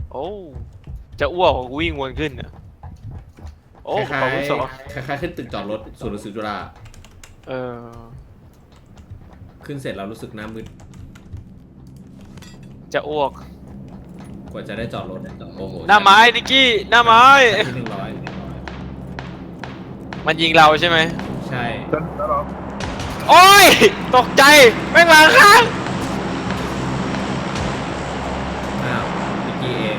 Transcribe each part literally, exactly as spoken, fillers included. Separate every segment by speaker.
Speaker 1: โอ้จะอ้วกกูวิ่งวนขึ้นอ่ะโอ้
Speaker 2: คล้า
Speaker 1: ขอย บคุณสอง
Speaker 2: ๆคล้ายๆขึ้นตึกจอดรถสวนหนังสือจุฬา
Speaker 1: เออ
Speaker 2: ขึ้นเสร็จแล้วรู้สึกหน้ามืด
Speaker 1: จะอ้วก
Speaker 2: กว่าจะได้จอดรถโอ้โห
Speaker 1: หน้าไม้นิกกี้หน้าไม้
Speaker 2: ที่หนึ่งร้อย
Speaker 1: มันยิงเราใช่ไหม
Speaker 2: ใช่
Speaker 1: โอ้ยตกใจแม่งหลังข้าง
Speaker 2: อ้าวนิกกี้เอง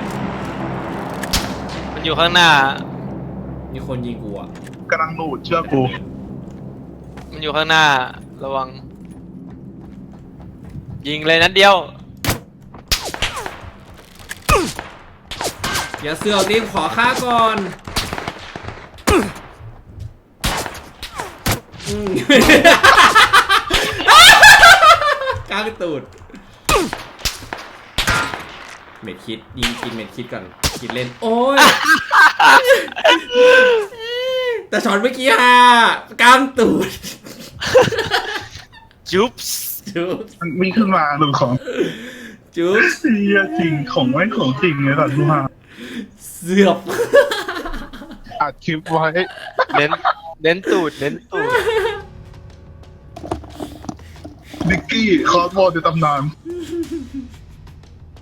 Speaker 1: มันอยู่ข้างหน้า
Speaker 2: มีคนยิงกูอ่ะ
Speaker 3: กำลังดูดเชื่อกู
Speaker 1: มันอยู่ข้างหน้าระวัง ยิงเลยนัดเดียว
Speaker 2: อย่าเสือกดิขอค่าก่อนอืม กล้างตูดเม็ดคิดยิงกินเม็ดคิดก่อนคิดเล่นโอ้ย แต่ช็อตเมื่อกี้ฮะกล้างตูด
Speaker 1: จุ๊บส์
Speaker 2: จุ๊บ
Speaker 3: มันวิ่งขึ้นมาหรือของ
Speaker 2: จุ๊บ
Speaker 3: เสียจริงของไม่ของจริงเลยสัตว์ทุกฮา
Speaker 2: เสือบ
Speaker 3: อัดคลิปไว้
Speaker 1: เน้นเน้นตูดเน้นตูด
Speaker 3: นิกกี้คอร์สบอลในตำนาน